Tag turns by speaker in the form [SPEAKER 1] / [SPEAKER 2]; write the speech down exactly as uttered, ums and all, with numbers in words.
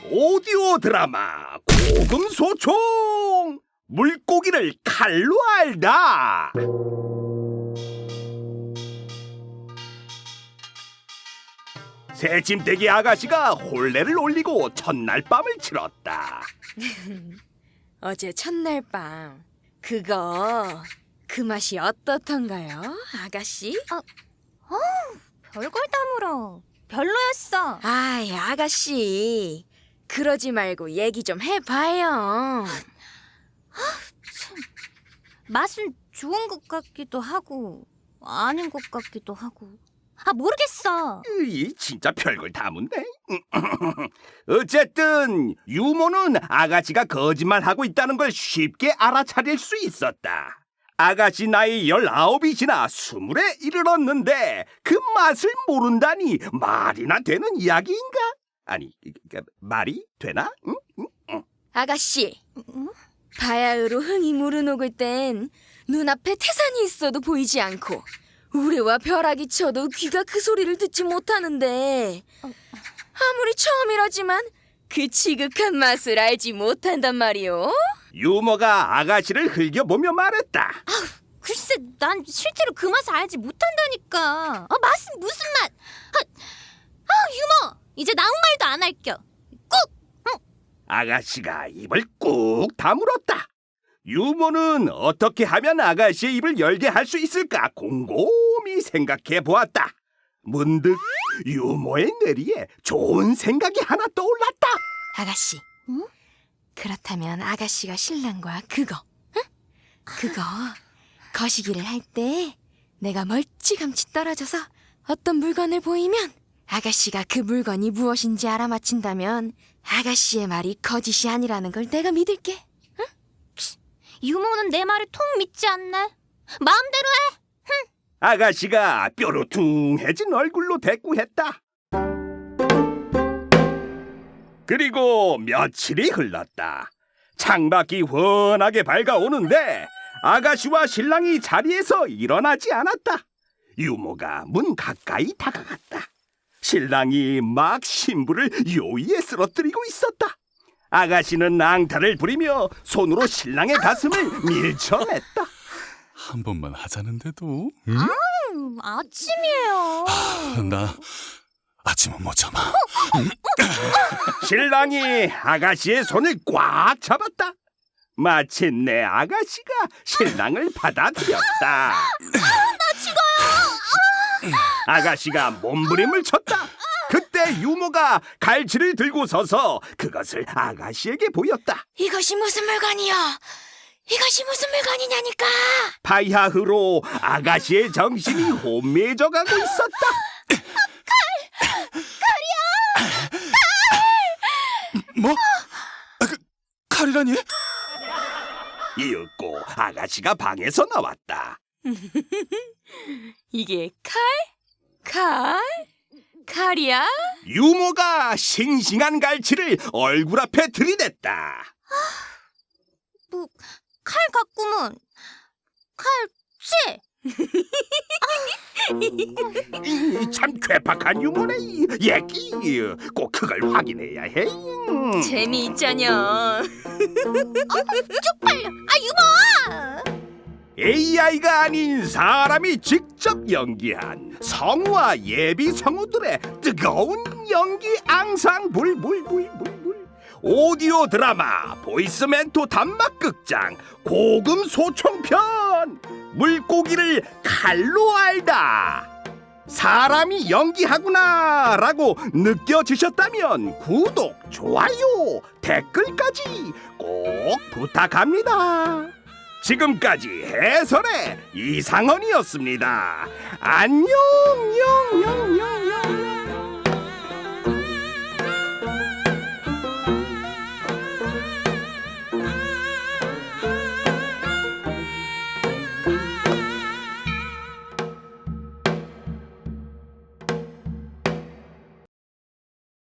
[SPEAKER 1] 오디오 드라마 고금소총 물고기를 칼로 알다. 새침대기 아가씨가 혼례를 올리고 첫날 밤을 치렀다.
[SPEAKER 2] 어제 첫날 밤 그거 그 맛이 어떻던가요, 아가씨?
[SPEAKER 3] 어, 어, 별걸 다 물어. 별로였어.
[SPEAKER 2] 아이, 아가씨, 그러지 말고 얘기 좀 해봐요.
[SPEAKER 3] 맛은 좋은 것 같기도 하고 아닌 것 같기도 하고. 아, 모르겠어.
[SPEAKER 1] 이 진짜 별걸 다 묻네. 어쨌든 유모는 아가씨가 거짓말하고 있다는 걸 쉽게 알아차릴 수 있었다. 아가씨 나이 열아홉이 지나 스물에 이르렀는데 그 맛을 모른다니 말이나 되는 이야기인가? 아니, 말이 되나? 응? 응? 응.
[SPEAKER 2] 아가씨,
[SPEAKER 3] 응?
[SPEAKER 2] 바야흐로 흥이 무르녹을 땐 눈앞에 태산이 있어도 보이지 않고 우레와 벼락이 쳐도 귀가 그 소리를 듣지 못하는데 아무리 처음이라지만 그 지극한 맛을 알지 못한단 말이오.
[SPEAKER 1] 유모가 아가씨를 흘겨보며 말했다.
[SPEAKER 3] 글쎄, 난 실제로 그 맛을 알지 못한다니까. 아, 맛은 무슨 맛? 아, 아, 유머, 이제 나 아무 말도 안 할겨. 꾹! 응.
[SPEAKER 1] 아가씨가 입을 꾹 다물었다. 유모는 어떻게 하면 아가씨의 입을 열게 할 수 있을까 곰곰이 생각해 보았다. 문득 유모의 뇌리에 좋은 생각이 하나 떠올랐다.
[SPEAKER 2] 아가씨,
[SPEAKER 3] 응?
[SPEAKER 2] 그렇다면 아가씨가 신랑과 그거, 응? 그거 거시기를 할 때 내가 멀찌감치 떨어져서 어떤 물건을 보이면 아가씨가 그 물건이 무엇인지 알아맞힌다면 아가씨의 말이 거짓이 아니라는 걸 내가 믿을게.
[SPEAKER 3] 유모는 내 말을 통 믿지 않네. 마음대로 해.
[SPEAKER 1] 아가씨가 뾰루퉁해진 얼굴로 대꾸했다. 그리고 며칠이 흘렀다. 창밖이 훤하게 밝아오는데 아가씨와 신랑이 자리에서 일어나지 않았다. 유모가 문 가까이 다가갔다. 신랑이 막 신부를 요위에 쓰러뜨리고 있었다. 아가씨는 낭타를 부리며 손으로 신랑의 가슴을 밀쳐냈다.
[SPEAKER 4] 한 번만 하자는데도. 응?
[SPEAKER 3] 음, 아침이에요.
[SPEAKER 4] 아, 나 아침은 못 참아.
[SPEAKER 1] 신랑이 아가씨의 손을 꽉 잡았다. 마침내 아가씨가 신랑을 받아들였다.
[SPEAKER 3] 나 죽어요.
[SPEAKER 1] 아가씨가 몸부림을 쳤다. 그때 유모가 갈치를 들고 서서 그것을 아가씨에게 보였다.
[SPEAKER 2] 이것이 무슨 물건이요? 이것이 무슨 물건이냐니까?
[SPEAKER 1] 바야흐로 아가씨의 정신이 혼미해져 가고 있었다.
[SPEAKER 4] 뭐? 아, 그, 칼이라니?
[SPEAKER 1] 이윽고 아가씨가 방에서 나왔다.
[SPEAKER 2] 이게 칼? 칼? 칼이야?
[SPEAKER 1] 유모가 싱싱한 갈치를 얼굴 앞에 들이댔다.
[SPEAKER 3] 뭐, 칼 같구먼. 칼치?
[SPEAKER 1] 이, 참 괴팍한 유머네. 이 얘기 꼭 그걸 확인해야 해. 음.
[SPEAKER 2] 재미있자녀.
[SPEAKER 3] 쪽팔려. 아, 유머!
[SPEAKER 1] 에이아이가 아닌 사람이 직접 연기한 성우와 예비 성우들의 뜨거운 연기 앙상 불불불불불 오디오 드라마 보이스 멘토 단막극장 고금 소총편 물고기를 칼로 알다. 사람이 연기하구나 라고 느껴지셨다면 구독, 좋아요, 댓글까지 꼭 부탁합니다. 지금까지 해설의 이상헌이었습니다. 안녕, 영, 영, 영, 영.